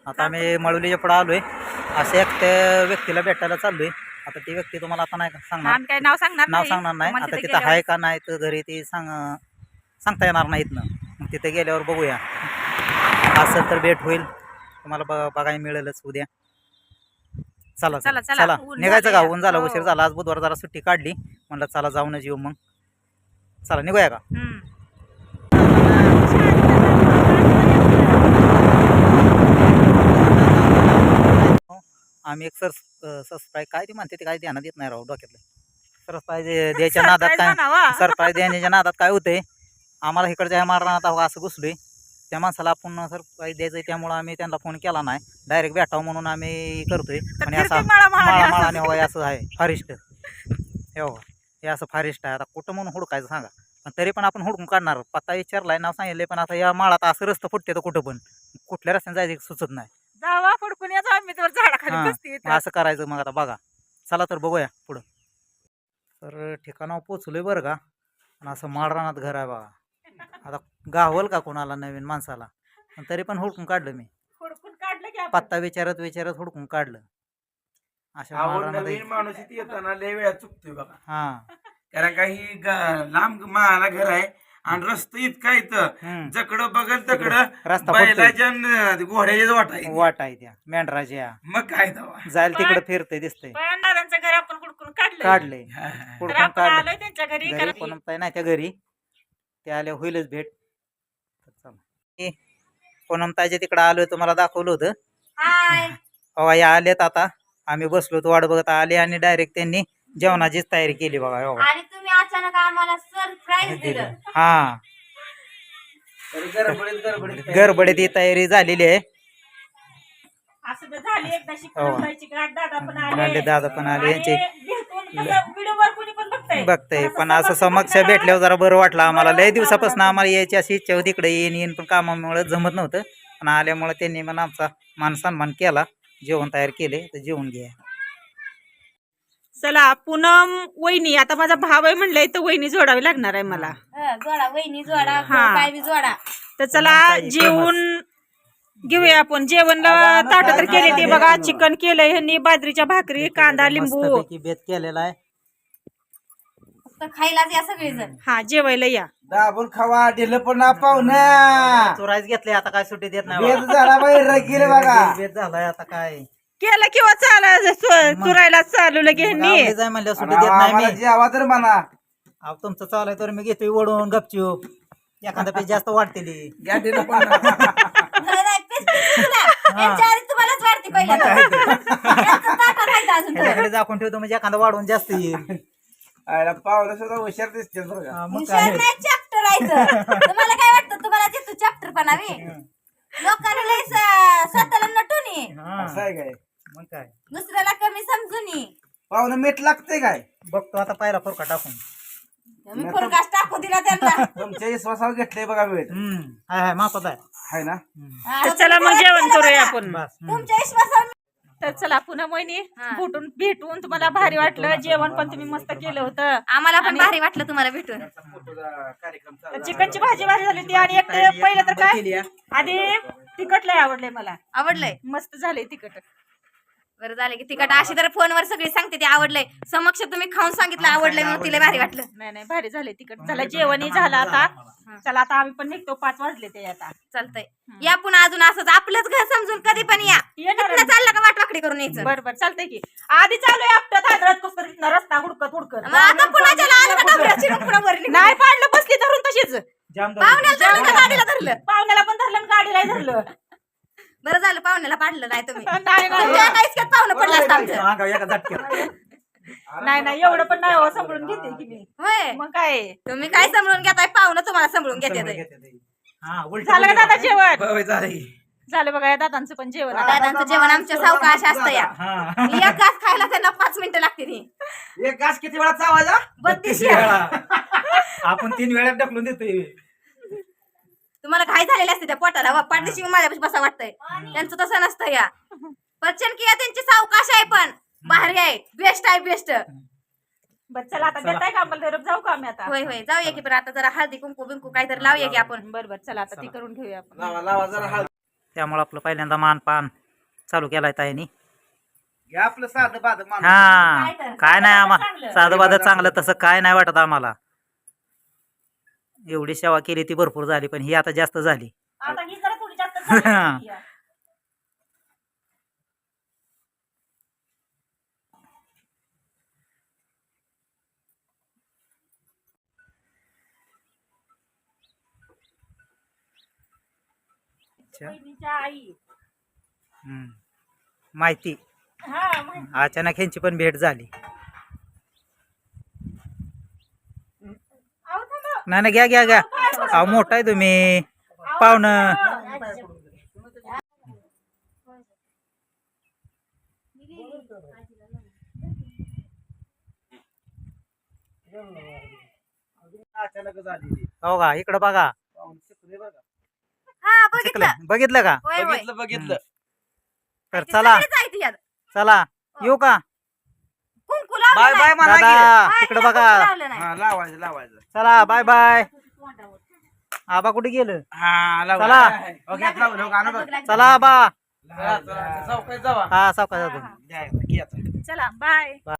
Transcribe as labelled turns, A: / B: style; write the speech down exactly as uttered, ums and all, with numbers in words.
A: आता आम्ही मळवलीच्या पुढे आलोय. अशा एकट्या व्यक्तीला भेटायला चाललोय. आता ती व्यक्ती तुम्हाला आता नाही सांगणार,
B: काय नाव सांगणार
A: नाव सांगणार नाही. आता तिथं आहे का नाही तर घरी ती सांग सांगता येणार नाहीत ना. मग तिथे गेल्यावर बघूया, असेल तर भेट होईल, तुम्हाला ब बघायला मिळेलच उद्या. चला चला चला निघायचं का? ऊन झालं, उशीर झाला. आज बुधवार जरा सुट्टी काढली, म्हणलं चला जाऊनच येऊ. मग चला निघूया का? आम्ही एक सर सरप्राईज काय ती म्हणते ते काय ध्यानात येत नाही राव डोक्यातलं. सरप्राईज द्यायच्या नादात काय सरप्राईज देण्याच्या नादात काय होतंय, आम्हाला इकडच्या मारणार आता असं घुसलोय. त्या माणसाला आपण सरप्राईज द्यायचं, त्यामुळं आम्ही त्यांना फोन केला नाही, डायरेक्ट भेटावं म्हणून आम्ही करतोय. आणि असं माळा माळाने हवा असं आहे फारिस्ट. हे बघा हे असं फारिस्ट आहे. आता कुठं म्हणून हुडकायचं सांगा? पण तरी पण आपण हुडकून काढणार. पत्ता विचारलाय, नाव सांगितलंय, पण आता या माळात असं रस्तं फुटते तर कुठं पण कुठल्या रस्त्याने जायचं सुचत नाही.
B: जावा फडकून याचा आम्ही तर झाडाखाली बसते.
A: असं करायचं. मग आता बघा, चला तर बघूया पुढं. तर ठिकाणावर पोचलोय बरं का. पण असं माळरानात घर आहे बघा. आता गावल का कोणाला नवीन माणसाला? पण तरी पण हुडकून काढलं मी.
B: हुडकून काढलं की
A: पत्ता विचारत विचारत हुडकून काढलं. अशा माळरानात
C: माणूस येताना लय वेळा चुकतोय बघा.
A: हा
C: कारण काही लांब माळा घर आहे आणि रस्ता इतका इथं जकडं बघल तकडं
A: रस्ता
C: बैलाच्या न घोड्याच्या वाट आहे.
A: वाट आहे त्या मेंढराच्या.
C: मग काय दवा
A: जायला तिकडे फिरतंय दिसतंय.
B: दादांचं घर आपण हुडकून काढलं.
A: काढले
B: तर
A: हुडकून
B: आपण
A: काढलं.
B: आलोय त्यांच्या घरी.
A: घरी पण नाही त्या घरी, ते आले होईलच भेट. पूनमताईच्या तिकडे आलोय, तुम्हाला दाखवलं होतं. हो या आलेत. आता आम्ही बसलो तो वाट बघत आले आणि डायरेक्ट त्यांनी जेवणाचीच तयारी केली बघा.
D: आणि तुम्ही अचानक आम्हाला सरप्राईज दिलं.
A: हा
C: गडबडीत गडबडीत
A: गडबडीत ही तयारी झालेली आहे.
B: असं तर झाली एकदाशी पूनमताईची गाठ. दादा पण
A: आले,
B: आले,
A: दादा पण आले. यांचे
B: व्हिडिओवर कोणी पण बघताय
A: बघताय, पण असं समक्ष भेटल्यावर जरा बरं वाटलं आम्हाला. लय दिवसापासून आम्हाला यायची अशी इच्छा होती, इकडे येईन येईन, पण कामामुळे जमत नव्हतं. पण आल्यामुळे त्यांनी पण आमचा मान सन्मान केला, जेवण तयार केले. तर जेवण घ्या.
B: चला पूनम वहिनी, आता माझा भाव आहे म्हणलंय तर वहिनी जोडावी लागणार आहे मला.
D: जोडा वहिनी जोडा,
B: हा.
D: काय बी जोडा.
B: तर चला जेवून घेऊया आपण. जेवणला ताट तर केले ते बघा. चिकन केलंय ह्यांनी, बाजरीच्या भाकरी, कांदा, लिंबू.
A: मस्तपैकी बेत केलेला आहे.
D: फक्त खायलाच या सगळेजण.
B: हा जेवायला या.
C: दाबून खावा दिलं पण ना पाहुणा.
A: चोरायच घेतले, आता काय सुट्टी देत नाही
C: बेत झाला बाई रगील बघा.
A: बेत झालाय आता काय
B: केलं किंवा चाल चुरायला चालू लगे ह्यांनी.
A: जाय म्हणलं सुट्टी देत नाही
C: आम्हाला
A: मी.
C: जेवा तर म्हणा.
A: अहो तुमचं चालू आहे तर मी घेतोय ओढून गपचूप. एखादा पेज जास्त वाढतेली.
C: घ्या दिलं पण ना.
D: नाही, नाही, पीस पीस तुला. यांच्या आधी तुम्हालाच वाढते पहिलं तर. यांचं ताटात राहायचं अजून तर.
A: त्याच्याकडे दाखवून ठेवतो म्हणजे एखादा वाढवून जास्त येईल.
C: आयला पाहुणा सुद्धा हुशार दिसते बरं का.
A: हा, मग
D: हुशार
A: काय
D: नाही, चॅप्टर राहायचं. तुम्हाला काय वाटतं, तुम्हाला देतो चॅप्टर पणावी. लोकांना लय स- स्वतःला नटून ये.
A: हा,
C: असं आहे काय?
A: मग काय
D: दुसऱ्याला कमी समजून ये.
C: पाहुणा मीठ लागते काय?
A: बघतो आता पहिला फरका टाकून.
D: मी फरकाश टाकू दिला त्यांना.
C: तुमच्या विश्वासावर घेतलंय बघा मीठ.
A: हम्म हाय हाय मापात आहे.
C: आहे ना.
D: हा,
B: तर चला मग जेवण करूया आपण.
A: बस हम्म.
D: तुमच्या विश्वासावर.
B: तर चला पुन्हा वहिनी भेटून भेटून तुम्हाला भारी वाटलं. जेवण पण तुम्ही मस्त केलं होतं.
D: आम्हाला पण भारी वाटलं तुम्हाला भेटून.
C: कार्यक्रम
B: तर चिकनची भाजी भारी झाली ती. आणि एक ते पहिलं तर काय आधी तिखट लय आवडलंय मला.
D: आवडलंय.
B: मस्त झालंय तिखट.
D: बरं झालं की तिकट. अशी तर फोनवर सगळी सांगते ते आवडलंय. समक्ष तुम्ही खाऊन सांगितलं आवडलंय म्हणून तिला भारी वाटलं.
B: नाही नाही भारी झालंय तिखट. झालं जेवणही झालं आता. चला आता आम्ही पण निघतो. पाच वाजले ते आता.
D: चालतंय या पुन्हा अजून असंच आपलंच घर समजून कधी पण या.
B: येणार
D: इथनं चाललं का वाटवाकडी करून यायचं.
B: बरं बरं चालतंय की. आधी चालू आहे आपटत हादरत कसं तरी रस्ता हुडकत हुडकत.
D: मग आता पुन्हा ज्याला आलं का डबऱ्यात शिरून पुन्हा वर निघून.
B: नाही पाडलं बसली धरून तशीच.
A: जाम झालं.
D: पाहुण्याला धरलं का गाडीला धरलं.
B: पाहुण्याला पण धरलं आणि गाडीला धरलं.
D: बरं झालं पाहुण्याला पाडलं नाही तुम्ही.
B: नाही नाही
D: तुमच्या काहीच काय पाहुणं पडलं असतं आमचं.
A: अंगावर एका झटक्यात.
B: नाही नाही एवढं पण नाही हो. सांभाळून घेते की मी.
D: होय
B: मग काय
D: तुम्ही काय समजून घेताय, पाहुणं तुम्हाला समजून घेते.
A: हा उलट
B: झालं का दादा जेवण?
C: होय, झालंय.
B: झालं बघा या दादांचं पण जेवण.
D: दादांचं जेवण आमच्या सावकाश असतं या.
A: हा
D: एक घास खायला त्यांना पाच मिनिटं लागतील.
C: एक घास किती वेळा चावायचा?
D: बत्तीस
A: आपण तीन वेळा ढकलून देतोय.
D: तुम्हाला घाई झालेली असते त्या पोटाला. वा पाठीशी माझ्यापाशी बसा वाटतंय. त्यांचं तसं नसतं या. पचन किया त्यांची सावकाश आहे पण भारी आहे. बेस्ट आहे बेस्ट.
B: बरं चला आता देताय का आम्हाला धरप जाऊ का आम्ही आता?
D: होय होय जाऊया की. पण आता जरा हळदी कुंकू बिंकू काहीतरी लावूया की आपण.
B: बरं बरं चला आता ती करून घेऊया आपण.
C: लावा लावा जरा हळद.
A: त्यामुळे आपलं पहिल्यांदा मानपान चालू केलाय ताईनी.
C: हे आपलं साधं बाध माणूस.
A: हा
D: काय तर?
A: काय नाही आम्हाला
B: चांगलं.
A: साधं बाधं चांगलं तसं काय नाही वाटत आम्हाला. एवढी सेवा केली ती भरपूर झाली पण ही आता जास्त झाली.
B: आता ही जरा थोडी जास्त झाली. बहिणीच्या आई
A: हम्म. माहिती
B: हा माहिती.
A: अचानक ह्यांची पण भेट झाली.
B: अहो, थांबा.
A: नाही नाही घ्या घ्या घ्या. अहो मोठा आहे तुम्ही पाहुणं.
C: अचानक झाली.
A: हो का इकडं बघा.
D: हा बघितलं
A: शिकलं बघितलं का.
D: होय होय
C: बघितलं बघितलं.
A: तर
D: ती
A: चला
D: सगळीच आहे ती यात.
A: चला येऊ का.
D: कुंकू लावलं
C: बाय
D: नाही.
C: बाय म्हणा की.
A: दादा
D: हा,
A: तिकडं
D: हिला
A: बघा.
D: कुंकू लावलं नाही.
C: हा लावायचं लावायचं.
A: चला बाय बाय. आबा कुठे गेलं.
C: हा
A: चला.
C: लावा. ओके लावलं हो, गाणं बघ.
A: चला आबा.
C: चौकात जावा.
A: हा सावकाश जातो.
C: द्या, घे आता.
B: चला बाय.